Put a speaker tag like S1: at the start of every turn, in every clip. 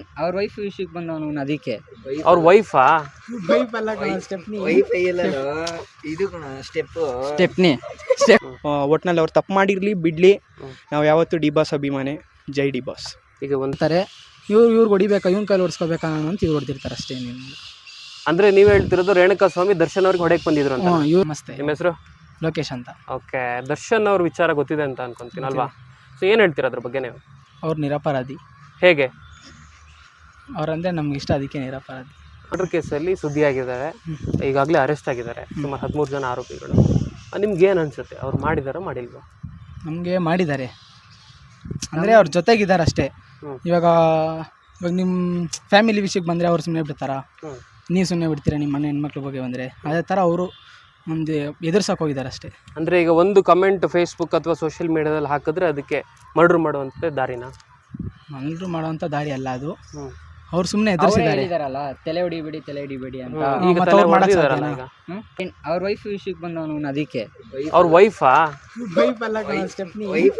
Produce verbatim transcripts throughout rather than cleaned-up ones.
S1: ಏನ್ ಅವ್ರ ವೈಫ್ ವಿಷಯಕ್ಕೆ ಬಂದವನು ಅದಕ್ಕೆ
S2: ಅವ್ರ ವೈಫಾ
S3: ವೈಫ್ ಅಲ್ಲ ಸ್ಟೆಪ್ನಿ
S1: ವೈಫ್ ಇದು ಸ್ಟೆಪ್ ಸ್ಟೆಪ್ನಿ
S3: ಒಟ್ನಲ್ಲಿ ಅವ್ರು ತಪ್ಪು ಮಾಡಿರ್ಲಿ ಬಿಡ್ಲಿ, ನಾವು ಯಾವತ್ತು ಡಿ ಬಾಸ್ ಅಭಿಮಾನಿ. ಜೈ ಡಿ ಬಾಸ್.
S2: ಈಗ ಒಂದ್ತಾರೆ
S3: ಇವ್ರು ಇವ್ರು ಹೊಡಿಬೇಕಾ, ಇವ್ನ ಕೈಲಿ ಹೊಡ್ಸ್ಕೋಬೇಕಾ ಅಂತ ಇವ್ರು ಹೊಡ್ತಿರ್ತಾರೆ ಅಷ್ಟೇ.
S2: ಅಂದ್ರೆ ನೀವ್ ಹೇಳ್ತಿರೋದು ರೇಣುಕಾ ಸ್ವಾಮಿ ದರ್ಶನ್ ಅವ್ರಿಗೆ ಹೊಡೆಯಕ್ ಬಂದಿದ್ರು ಅಂತ.
S3: ಇವ್ರು ಮಸ್ತೆ.
S2: ನಿಮ್ಮ ಹೆಸರು?
S3: ಲೋಕೇಶ್ ಅಂತ.
S2: ಓಕೆ, ದರ್ಶನ್ ಅವ್ರ ವಿಚಾರ ಗೊತ್ತಿದೆ ಅಂತ ಅನ್ಕೊಂತೀನಿ ಅಲ್ವಾ? ಸೊ ಏನ್ ಹೇಳ್ತೀರಾ ಅದ್ರ ಬಗ್ಗೆ ನೀವು?
S3: ಅವ್ರು ನಿರಪರಾಧಿ.
S2: ಹೇಗೆ?
S3: ಅವ್ರಂದ್ರೆ ನಮ್ಗೆ ಇಷ್ಟ, ಅದಕ್ಕೆ ನಿರಪರಾಧಿ.
S2: ಮರ್ಡರ್ ಕೇಸಲ್ಲಿ ಸುದ್ದಿ ಆಗಿದ್ದಾರೆ, ಈಗಾಗಲೇ ಅರೆಸ್ಟ್ ಆಗಿದ್ದಾರೆ ಸುಮಾರು ಹದಿಮೂರು ಜನ ಆರೋಪಿಗಳು. ನಿಮ್ಗೆ ಏನು ಅನ್ಸುತ್ತೆ, ಅವ್ರು ಮಾಡಿದಾರ ಮಾಡಿಲ್ವಾ?
S3: ನಮಗೆ ಮಾಡಿದ್ದಾರೆ ಅಂದರೆ ಅವ್ರ ಜೊತೆಗಿದ್ದಾರೆ ಅಷ್ಟೇ. ಇವಾಗ ಇವಾಗ ನಿಮ್ಮ ಫ್ಯಾಮಿಲಿ ವಿಷಯಕ್ಕೆ ಬಂದರೆ ಅವ್ರು ಸುಮ್ಮನೆ ಬಿಡ್ತಾರಾ? ನೀವು ಸುಮ್ಮನೆ ಬಿಡ್ತೀರಾ ನಿಮ್ಮ ಮನೆ ಹೆಣ್ಮಕ್ಳ ಬಗ್ಗೆ ಬಂದರೆ? ಅದೇ ಥರ ಅವರು ಒಂದು ಎದುರ್ಸಕ್ಕೆ ಹೋಗಿದ್ದಾರೆ ಅಷ್ಟೇ.
S2: ಅಂದರೆ ಈಗ ಒಂದು ಕಮೆಂಟ್ ಫೇಸ್ಬುಕ್ ಅಥವಾ ಸೋಷಿಯಲ್ ಮೀಡಿಯಾದಲ್ಲಿ ಹಾಕಿದ್ರೆ ಅದಕ್ಕೆ ಮರ್ಡರ್ ಮಾಡುವಂಥ ದಾರಿನ
S3: ಮರ್ಡರ್ ಮಾಡುವಂಥ ದಾರಿ ಅಲ್ಲ ಅದು. ಅವ್ರು ಸುಮ್ಮನೆ ಎದುರಿಸಿದ್ದಾರೆ.
S1: ತಲೆ ಹೊಡಿಬೇಡಿ ತಲೆ ಹೊಡಿಬೇಡಿ ಅಂತ.
S2: ಈಗ ತಲೆ ಹೊಡೆದಿದ್ದಾರಲ್ಲ ಈಗ.
S1: ಅವ್ರ ವೈಫ್ ವಿಷಯಕ್ಕೆ ಬಂದವನು ಅದಕ್ಕೆ.
S2: ಅವ್ರ ವೈಫಾ
S3: ವೈಫ್ ಅಲ್ಲ ಸ್ಟೆಪ್ನಿ.
S1: ವೈಫ್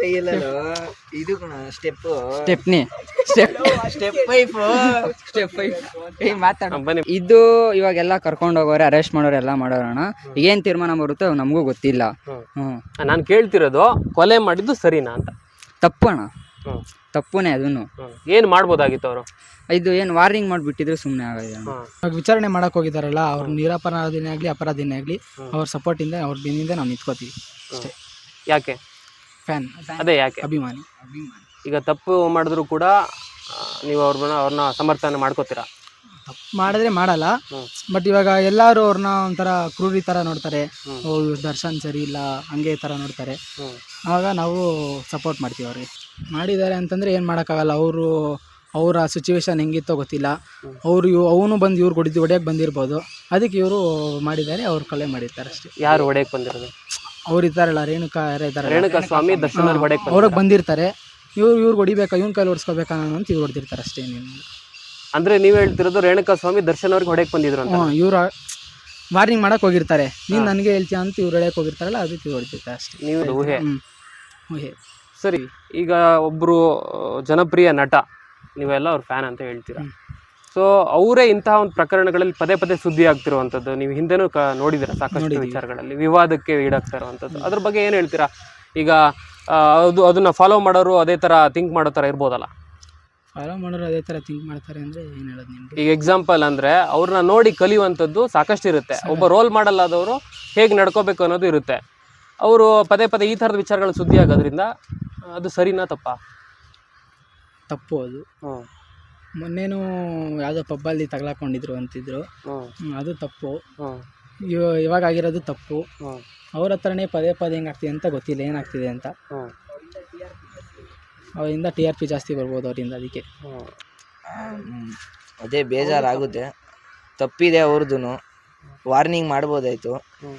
S1: ಇದು step stepney step step wife step wife ಮಾತಾಡ. ಇದು ಇವಾಗೆಲ್ಲ ಕರ್ಕೊಂಡು ಹೋಗೋರೆ, ಅರೆಸ್ಟ್ ಮಾಡೋರು ಎಲ್ಲ ಮಾಡೋರಣ. ಏನ್ ತೀರ್ಮಾನ ಬರುತ್ತೋ ನಮಗೂ ಗೊತ್ತಿಲ್ಲ. ಹ್ಮ್
S2: ನಾನು ಕೇಳ್ತಿರೋದು ಕೊಲೆ ಮಾಡಿದ್ದು ಸರಿನಾ ಅಂತ.
S1: ತಪ್ಪು ಅಣ್ಣ, ತಪ್ಪುನೇ ಅದನ್ನು.
S2: ಏನು ಮಾಡ್ಬೋದಾಗಿತ್ತು ಅವರು?
S1: ಇದು ಏನು ವಾರ್ನಿಂಗ್ ಮಾಡಿಬಿಟ್ಟಿದ್ರೆ ಸುಮ್ಮನೆ ಆಗಿದೆ.
S3: ಇವಾಗ ವಿಚಾರಣೆ ಮಾಡಕ್ಕೆ ಹೋಗಿದ್ದಾರಲ್ಲ, ಅವ್ರು ನಿರಪರಾಧಿನೇ ಆಗಲಿ ಅಪರಾಧಿನೇ ಆಗಲಿ ಅವ್ರ ಸಪೋರ್ಟಿಂದ ಅವ್ರ ಬೆನ್ನಿಂದ ನಾವು ನಿಂತ್ಕೋತೀವಿ ಅಷ್ಟೇ.
S2: ಯಾಕೆ?
S3: ಫ್ಯಾನ್.
S2: ಅದೇ ಯಾಕೆ?
S3: ಅಭಿಮಾನಿ.
S2: ಈಗ ತಪ್ಪು ಮಾಡಿದ್ರು ಕೂಡ ನೀವು ಅವ್ರನ್ನ ಅವ್ರನ್ನ ಸಮರ್ಥನೆ ಮಾಡ್ಕೋತೀರಾ?
S3: ತಪ್ಪು ಮಾಡಿದ್ರೆ ಮಾಡಲ್ಲ, ಬಟ್ ಇವಾಗ ಎಲ್ಲರೂ ಅವ್ರನ್ನ ಒಂಥರ ಕ್ರೂರಿ ಥರ ನೋಡ್ತಾರೆ. ಓ ದರ್ಶನ್ ಸರಿ ಇಲ್ಲ ಹಂಗೆ ಥರ ನೋಡ್ತಾರೆ. ಆವಾಗ ನಾವು ಸಪೋರ್ಟ್ ಮಾಡ್ತೀವಿ ಅವ್ರಿಗೆ. ಮಾಡಿದ್ದಾರೆ ಅಂತಂದರೆ ಏನು ಮಾಡೋಕ್ಕಾಗಲ್ಲ. ಅವರು ಅವರ ಸಿಚುವೇಶನ್ ಹೆಂಗಿತ್ತೋ ಗೊತ್ತಿಲ್ಲ. ಅವರು ಇವ್ ಅವನು ಬಂದು ಇವ್ರು ಹೊಡಿದು ಹೊಡೆಯಕ್ಕೆ ಬಂದಿರ್ಬೋದು, ಅದಕ್ಕೆ ಇವರು ಮಾಡಿದ್ದಾರೆ, ಅವ್ರು ಕೊಲೆ ಮಾಡಿರ್ತಾರೆ ಅಷ್ಟೇ.
S2: ಯಾರು ಹೊಡೆಯಕ್ಕೆ ಬಂದಿರೋದು?
S3: ಅವ್ರು ಇದ್ದಾರಲ್ಲ, ರೇಣುಕಾ ಯಾರೇ ಇದ್ದಾರೆ,
S2: ರೇಣುಕಾ ಸ್ವಾಮಿ ದರ್ಶನ್ ಹೊಡೆಯಕ್ಕೆ
S3: ಅವ್ರಿಗೆ ಬಂದಿರ್ತಾರೆ. ಇವ್ರು ಇವ್ರು ಹೊಡಿಬೇಕಾ, ಇವ್ನ ಕೈಲಿ ಹೊಡ್ಸ್ಕೋಬೇಕಾ ಅಂತ ಇವ್ರು ಹೊಡ್ತಿರ್ತಾರೆ ಅಷ್ಟೇ. ನೀವು
S2: ಅಂದ್ರೆ ನೀವು ಹೇಳ್ತಿರೋದು ರೇಣುಕಾ ಸ್ವಾಮಿ ದರ್ಶನ್ ಅವ್ರಿಗೆ ಹೊಡೆಯಕ್ಕೆ ಬಂದಿದ್ರು ಅಂತ.
S3: ಹ್ಞೂ, ಇವ್ರು ವಾರ್ನಿಂಗ್ ಮಾಡಕ್ಕೆ ಹೋಗಿರ್ತಾರೆ. ನೀನು ನನಗೆ ಹೇಳ್ತೀಯ ಅಂತ ಇವ್ರು ಹೇಳಕ್ಕೆ ಹೋಗಿರ್ತಾರಲ್ಲ, ಅದಕ್ಕೆ ಇವ್ರು ಹೊಡ್ತಿರ್ತಾರೆ ಅಷ್ಟೇ.
S2: ನೀವು ಊಹೆ.
S3: ಊಹೆ.
S2: ಸರಿ, ಈಗ ಒಬ್ಬರು ಜನಪ್ರಿಯ ನಟ, ನೀವೆಲ್ಲ ಅವ್ರ ಫ್ಯಾನ್ ಅಂತ ಹೇಳ್ತೀರಾ. ಸೊ ಅವರೇ ಇಂತಹ ಒಂದು ಪ್ರಕರಣಗಳಲ್ಲಿ ಪದೇ ಪದೇ ಸುದ್ದಿ ಆಗ್ತಿರುವಂಥದ್ದು ನೀವು ಹಿಂದೆನೂ ಕ ನೋಡಿದ್ದೀರಾ ಸಾಕಷ್ಟು ವಿಚಾರಗಳಲ್ಲಿ ವಿವಾದಕ್ಕೆ ಈಡಾಗ್ತಾ ಇರುವಂಥದ್ದು. ಅದ್ರ ಬಗ್ಗೆ ಏನು ಹೇಳ್ತೀರಾ? ಈಗ ಅದು ಅದನ್ನ ಫಾಲೋ ಮಾಡೋರು ಅದೇ ಥರ ಥಿಂಕ್ ಮಾಡೋ ಥರ ಇರ್ಬೋದಲ್ಲ?
S3: ಫಾಲೋ ಮಾಡೋರು ಅದೇ ಥರ ಥಿಂಕ್ ಮಾಡ್ತಾರೆ ಅಂದರೆ ಏನು ಹೇಳೋದು ನಿಮಗೆ?
S2: ಈಗ ಎಕ್ಸಾಂಪಲ್ ಅಂದರೆ ಅವ್ರನ್ನ ನೋಡಿ ಕಲಿಯುವಂಥದ್ದು ಸಾಕಷ್ಟು ಇರುತ್ತೆ. ಒಬ್ಬ ರೋಲ್ ಮಾಡಲ್ ಆದವರು ಹೇಗೆ ನಡ್ಕೋಬೇಕು ಅನ್ನೋದು ಇರುತ್ತೆ. ಅವರು ಪದೇ ಪದೇ ಈ ಥರದ ವಿಚಾರಗಳು ಸುದ್ದಿ ಆಗೋದ್ರಿಂದ ಅದು ಸರಿನಾ ತಪ್ಪಾ?
S3: ತಪ್ಪು ಅದು. ಮೊನ್ನೆನೂ ಯಾವುದೋ ಪಬ್ಬಲ್ಲಿ ತಗಲಾಕೊಂಡಿದ್ರು ಅಂತಿದ್ರು, ಅದು ತಪ್ಪು. ಇವಾಗ ಆಗಿರೋದು ತಪ್ಪು. ಅವ್ರ ಹತ್ರನೇ ಪದೇ ಪದೇ ಹೆಂಗಾಗ್ತಿದೆ ಅಂತ ಗೊತ್ತಿಲ್ಲ, ಏನಾಗ್ತಿದೆ ಅಂತ. ಅವರಿಂದ ಟಿ ಆರ್ ಪಿ ಜಾಸ್ತಿ ಬರ್ಬೋದು ಅವರಿಂದ, ಅದಕ್ಕೆ
S1: ಅದೇ ಬೇಜಾರಾಗುತ್ತೆ. ತಪ್ಪಿದೆ ಅವ್ರದ್ದು, ವಾರ್ನಿಂಗ್ ಮಾಡ್ಬೋದಾಯಿತು.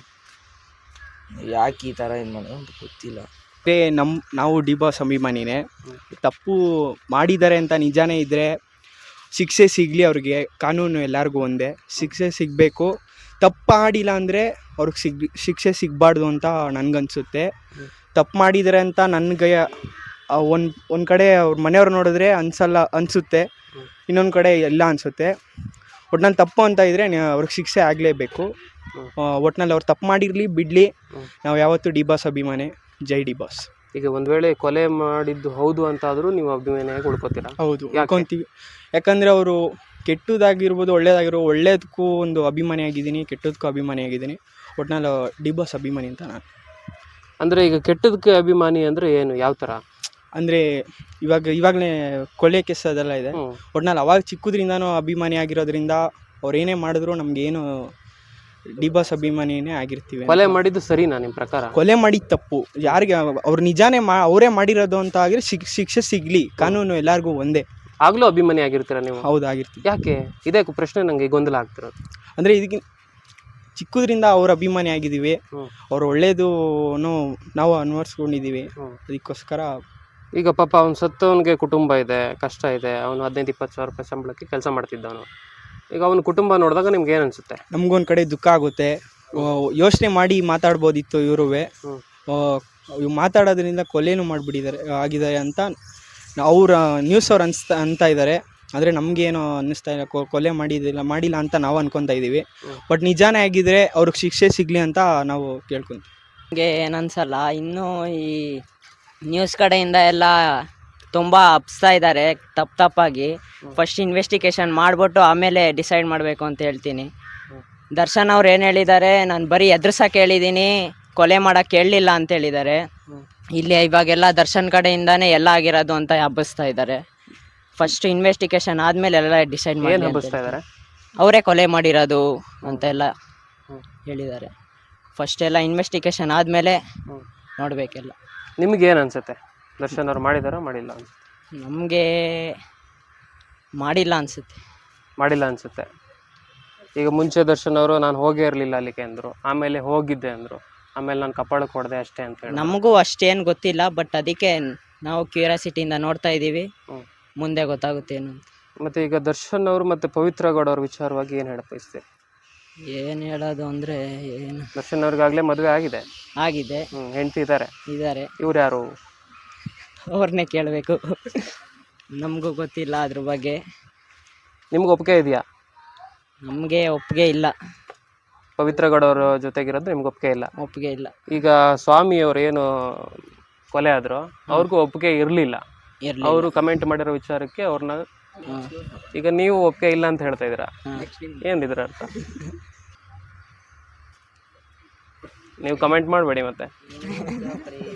S1: ಯಾಕೆ ಈ ಥರ ಏನು ಮಾಡೋದು ಅಂತ ಗೊತ್ತಿಲ್ಲ.
S3: ಅದೇ ನಮ್ಮ ನಾವು ಡಿ ಬಾಸ್ ಅಭಿಮಾನಿನೇ. ತಪ್ಪು ಮಾಡಿದ್ದಾರೆ ಅಂತ ನಿಜಾನೇ ಇದ್ದರೆ ಶಿಕ್ಷೆ ಸಿಗಲಿ ಅವ್ರಿಗೆ. ಕಾನೂನು ಎಲ್ಲರಿಗೂ ಒಂದೇ, ಶಿಕ್ಷೆ ಸಿಗಬೇಕು. ತಪ್ಪು ಮಾಡಿಲ್ಲ ಅಂದರೆ ಅವ್ರಿಗೆ ಸಿಗ್ ಶಿಕ್ಷೆ ಸಿಗಬಾರ್ದು ಅಂತ ನನಗನ್ಸುತ್ತೆ. ತಪ್ಪು ಮಾಡಿದ್ದಾರೆ ಅಂತ ನನಗೆ ಒಂದು ಒಂದು ಕಡೆ ಅವ್ರ ಮನೆಯವ್ರು ನೋಡಿದ್ರೆ ಅನ್ಸಲ್ಲ ಅನಿಸುತ್ತೆ, ಇನ್ನೊಂದು ಕಡೆ ಎಲ್ಲ ಅನಿಸುತ್ತೆ. ಒಟ್ನಲ್ಲಿ ತಪ್ಪು ಅಂತ ಇದ್ದರೆ ಅವ್ರಿಗೆ ಶಿಕ್ಷೆ ಆಗಲೇಬೇಕು. ಒಟ್ನಲ್ಲಿ ಅವ್ರು ತಪ್ಪು ಮಾಡಿರಲಿ ಬಿಡಲಿ, ನಾವು ಯಾವತ್ತೂ ಡಿ ಬಾಸ್ ಅಭಿಮಾನಿ. ಜೈ ಡಿ ಬಾಸ್.
S2: ಈಗ ಒಂದು ವೇಳೆ ಕೊಲೆ ಮಾಡಿದ್ದು ಹೌದು ಅಂತಾದರೂ ನೀವು ಅಭಿಮಾನಿಯಾಗಿ ಉಳ್ಕೋತೀರಾ?
S3: ಹೌದು, ಉಳ್ಕೊತೀವಿ. ಯಾಕಂದರೆ ಅವರು ಕೆಟ್ಟದಾಗಿರ್ಬೋದು ಒಳ್ಳೇದಾಗಿರ್ಬೋದು, ಒಳ್ಳೇದಕ್ಕೂ ಒಂದು ಅಭಿಮಾನಿಯಾಗಿದ್ದೀನಿ, ಕೆಟ್ಟದಕ್ಕೂ ಅಭಿಮಾನಿಯಾಗಿದ್ದೀನಿ. ಒಟ್ನಲ್ಲಿ ಡಿ ಬಾಸ್ ಅಭಿಮಾನಿ ಅಂತ ನಾನು.
S2: ಅಂದರೆ ಈಗ ಕೆಟ್ಟದಕ್ಕೆ ಅಭಿಮಾನಿ ಅಂದರೆ ಏನು, ಯಾವ ಥರ?
S3: ಅಂದರೆ ಇವಾಗ ಇವಾಗಲೇ ಕೊಲೆ ಕೇಸ್ ಅದೆಲ್ಲ ಇದೆ. ಒಟ್ನಲ್ಲಿ ಅವಾಗ ಚಿಕ್ಕದ್ರಿಂದನೂ ಅಭಿಮಾನಿ ಆಗಿರೋದ್ರಿಂದ ಅವ್ರು ಏನೇ ಮಾಡಿದ್ರು ನಮಗೇನು ಡಿ ಬಾಸ್ ಅಭಿಮಾನಿನೇ ಆಗಿರ್ತೀವಿ.
S2: ಕೊಲೆ ಮಾಡಿದ್ದು ಸರಿನಾ ನಿಮ್ಮ ಪ್ರಕಾರ?
S3: ಕೊಲೆ ಮಾಡಿದ್ದು ತಪ್ಪು. ಯಾರಿಗೆ ಅವ್ರು ನಿಜಾನೇ ಮಾ ಅವರೇ ಮಾಡಿರೋದು ಅಂತ ಆಗಿದ್ರೆ ಶಿಕ್ ಶಿಕ್ಷೆ ಸಿಗಲಿ. ಕಾನೂನು ಎಲ್ಲರಿಗೂ ಒಂದೇ.
S2: ಆಗಲೂ ಅಭಿಮಾನಿ ಆಗಿರ್ತೀರಾ ನೀವು?
S3: ಹೌದು, ಆಗಿರ್ತೀವಿ.
S2: ಯಾಕೆ? ಇದೇ ಪ್ರಶ್ನೆ ನನಗೆ ಗೊಂದಲ ಆಗ್ತಿರೋದು.
S3: ಅಂದರೆ ಇದಕ್ಕೆ ಚಿಕ್ಕದ್ರಿಂದ ಅವ್ರ ಅಭಿಮಾನಿ ಆಗಿದ್ದೀವಿ, ಅವ್ರು ಒಳ್ಳೇದು ನಾವು ಅನ್ವರ್ಸ್ಕೊಂಡಿದ್ದೀವಿ, ಅದಕ್ಕೋಸ್ಕರ.
S2: ಈಗ ಪಾಪ ಅವ್ನು ಸತ್ತವನಿಗೆ ಕುಟುಂಬ ಇದೆ, ಕಷ್ಟ ಇದೆ. ಅವನು ಹದಿನೈದು ಇಪ್ಪತ್ತು ಸಾವಿರ ರೂಪಾಯಿ ಸಂಬಳಕ್ಕೆ ಕೆಲಸ ಮಾಡ್ತಿದ್ದವನು. ಈಗ ಅವನ ಕುಟುಂಬ ನೋಡಿದಾಗ ನಿಮ್ಗೆ ಏನು ಅನಿಸುತ್ತೆ?
S3: ನಮಗೊಂದು ಕಡೆ ದುಃಖ ಆಗುತ್ತೆ. ಯೋಚನೆ ಮಾಡಿ ಮಾತಾಡ್ಬೋದಿತ್ತು ಇವರು. ಇವು ಮಾತಾಡೋದ್ರಿಂದ ಕೊಲೆನೂ ಮಾಡಿಬಿಟ್ಟಿದ್ದಾರೆ ಆಗಿದ್ದಾರೆ ಅಂತ ಅವ್ರ ನ್ಯೂಸ್ ಅವ್ರು ಅನ್ಸ್ತಾ ಅಂತ ಇದ್ದಾರೆ. ಆದರೆ ನಮಗೇನು ಅನ್ನಿಸ್ತಾ ಇಲ್ಲ, ಕೊ- ಕೊಲೆ ಮಾಡಿದಿಲ್ಲ ಮಾಡಿಲ್ಲ ಅಂತ ನಾವು ಅನ್ಕೊತಾ ಇದ್ದೀವಿ. ಬಟ್ ನಿಜಾನೇ ಆಗಿದ್ರೆ ಅವ್ರಿಗೆ ಶಿಕ್ಷೆ ಸಿಗಲಿ ಅಂತ ನಾವು ಕೇಳ್ಕೊಂತೀವಿ.
S4: ನನಗೆ ಏನನ್ಸಲ್ಲ, ಇನ್ನೂ ಈ ನ್ಯೂಸ್ ಕಡೆಯಿಂದ ಎಲ್ಲ ತುಂಬ ಹಬ್ಸ್ತಾ ಇದ್ದಾರೆ ತಪ್ಪು ತಪ್ಪಾಗಿ. ಫಸ್ಟ್ ಇನ್ವೆಸ್ಟಿಗೇಷನ್ ಮಾಡಿಬಿಟ್ಟು ಆಮೇಲೆ ಡಿಸೈಡ್ ಮಾಡಬೇಕು ಅಂತ ಹೇಳ್ತೀನಿ. ದರ್ಶನ್ ಅವ್ರು ಏನು ಹೇಳಿದ್ದಾರೆ, ನಾನು ಬರೀ ಎದುರ್ಸಕ್ಕೆ ಹೇಳಿದ್ದೀನಿ, ಕೊಲೆ ಮಾಡೋಕ್ಕೆ ಹೇಳಲಿಲ್ಲ ಅಂತ ಹೇಳಿದ್ದಾರೆ. ಇಲ್ಲಿ ಇವಾಗೆಲ್ಲ ದರ್ಶನ್ ಕಡೆಯಿಂದಾನೇ ಎಲ್ಲ ಆಗಿರೋದು ಅಂತ ಹಬ್ಬಿಸ್ತಾ ಇದ್ದಾರೆ. ಫಸ್ಟ್ ಇನ್ವೆಸ್ಟಿಗೇಷನ್ ಆದಮೇಲೆ ಎಲ್ಲ ಡಿಸೈಡ್
S2: ಏನು
S4: ಮಾಡಿ
S2: ಹಬ್ಬಿಸ್ತಾ ಇದ್ದಾರೆ?
S4: ಅವರೇ ಕೊಲೆ ಮಾಡಿರೋದು ಅಂತೆಲ್ಲ ಹೇಳಿದ್ದಾರೆ. ಫಸ್ಟ್ ಎಲ್ಲ ಇನ್ವೆಸ್ಟಿಗೇಷನ್ ಆದಮೇಲೆ ನೋಡಬೇಕೆಲ್ಲ.
S2: ನಿಮ್ಗೇನು ಅನ್ಸುತ್ತೆ, ದರ್ಶನ್ ಅವ್ರು ಮಾಡಿದಾರೋ ಮಾಡಿಲ್ಲ ಅನ್ಸುತ್ತೆ?
S4: ನಮಗೆ ಮಾಡಿಲ್ಲ ಅನಿಸುತ್ತೆ.
S2: ಮಾಡಿಲ್ಲ ಅನ್ಸುತ್ತೆ. ಈಗ ಮುಂಚೆ ದರ್ಶನ್ ಅವರು ನಾನು ಹೋಗೇ ಇರಲಿಲ್ಲ ಅಲ್ಲಿಗೆ ಅಂದರು, ಆಮೇಲೆ ಹೋಗಿದ್ದೆ ಅಂದರು, ಆಮೇಲೆ ನಾನು ಕಪಾಳಕ್ಕೆ ಹೊಡೆದೆ ಅಷ್ಟೇ ಅಂತ ಹೇಳಿ.
S4: ನಮಗೂ ಅಷ್ಟೇನು ಗೊತ್ತಿಲ್ಲ, ಬಟ್ ಅದಕ್ಕೆ ನಾವು ಕ್ಯೂರಿಯಾಸಿಟಿಯಿಂದ ನೋಡ್ತಾ ಇದ್ದೀವಿ. ಮುಂದೆ ಗೊತ್ತಾಗುತ್ತೆ ಏನು ಅಂತ.
S2: ಮತ್ತು ಈಗ ದರ್ಶನ್ ಅವರು ಮತ್ತು ಪವಿತ್ರ ಗೌಡ ಅವ್ರ ವಿಚಾರವಾಗಿ ಏನು ಹೇಳಕ್ಕೆ ಬಯಸ್ತೀವಿ?
S4: ಏನು ಹೇಳೋದು ಅಂದರೆ ಏನು,
S2: ದರ್ಶನ್ ಅವ್ರಿಗಾಗಲೇ ಮದುವೆ ಆಗಿದೆ,
S4: ಆಗಿದೆ,
S2: ಹ್ಞೂ ಹೆಂಡತಿ ಇದ್ದಾರೆ.
S4: ಇದ್ದಾರೆ.
S2: ಇವ್ರು ಯಾರು?
S4: ಅವ್ರನ್ನೇ ಕೇಳಬೇಕು, ನಮಗೂ ಗೊತ್ತಿಲ್ಲ ಅದ್ರ ಬಗ್ಗೆ.
S2: ನಿಮ್ಗೆ ಒಪ್ಪಿಗೆ ಇದೆಯಾ?
S4: ನಮಗೆ ಒಪ್ಪಿಗೆ ಇಲ್ಲ.
S2: ಪವಿತ್ರ ಗೌಡ ಅವ್ರ ಜೊತೆಗಿರೋದು ನಿಮ್ಗೆ ಒಪ್ಪಿಗೆ ಇಲ್ಲ?
S4: ಒಪ್ಪಿಗೆ ಇಲ್ಲ.
S2: ಈಗ ಸ್ವಾಮಿ ಅವ್ರು ಏನು ಕೊಲೆ ಆದ್ರು ಅವ್ರಿಗೂ ಒಪ್ಪಿಗೆ ಇರಲಿಲ್ಲ,
S4: ಇರಲಿ.
S2: ಅವರು ಕಮೆಂಟ್ ಮಾಡಿರೋ ವಿಚಾರಕ್ಕೆ ಅವ್ರನ್ನ, ಈಗ ನೀವು ಒಪ್ಪಿಗೆ ಇಲ್ಲ ಅಂತ ಹೇಳ್ತಾ ಇದ್ದೀರಾ, ಏನಿದ್ರ ಅರ್ಥ? ನೀವು ಕಮೆಂಟ್ ಮಾಡಬೇಡಿ ಮತ್ತೆ.